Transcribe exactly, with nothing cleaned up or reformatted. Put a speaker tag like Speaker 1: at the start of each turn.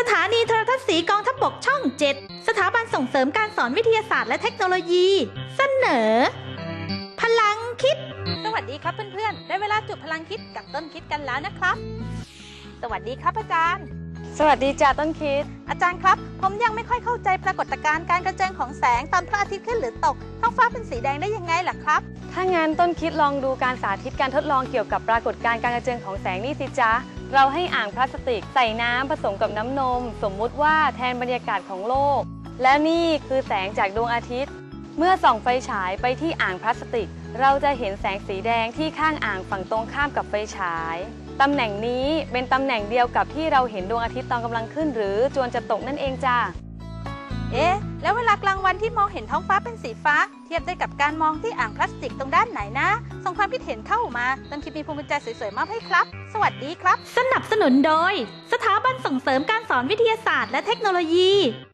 Speaker 1: ถานีโทรทัศน์สีกองทัพบกช่อง เจ็ด สถาบันส่งเสริมการสอนวิทยาศาสตร์และเทคโนโลยี เสนอ พลังคิดสวัสดีครับเพื่อนๆได้เวลาจุดพลังคิดกับต้นคิดกันแล้วนะครับสวัสดีครับอาจารย์
Speaker 2: สวัสดีจ้าต้นคิด
Speaker 1: อาจารย์ครับผมยังไม่ค่อยเข้าใจปรากฏการณ์การกระเจิงของแสงตอนพระอาทิตย์ขึ้นหรือตกท้องฟ้าเป็นสีแดงได้ยังไงล่ะครับ
Speaker 2: ถ้างั้นต้นคิดลองดูการสาธิตการทดลองเกี่ยวกับปรากฏการณ์การกระเจิงของแสงนี่สิจ๊ะเราให้อ่างพลาสติกใส่น้ำผสมกับน้ำนมสมมุติว่าแทนบรรยากาศของโลกและนี่คือแสงจากดวงอาทิตย์เมื่อส่องไฟฉายไปที่อ่างพลาสติกเราจะเห็นแสงสีแดงที่ข้างอ่างฝั่งตรงข้ามกับไฟฉายตำแหน่งนี้เป็นตำแหน่งเดียวกับที่เราเห็นดวงอาทิตย์ตอนกำลังขึ้นหรือจวนจะตกนั่นเองจ้า
Speaker 1: เอ๊ะแล้วเวลากลางวันที่มองเห็นท้องฟ้าเป็นสีฟ้าเทียบได้กับการมองที่อ่างพลาสติกตรงด้านไหนนะส่งความคิดเห็นเข้ามาต้นคิดมีภูมิใจสวยๆมากให้ครับสวัสดีครับสนับสนุนโดยสถาบันส่งเสริมการสอนวิทยาศาสตร์และเทคโนโลยี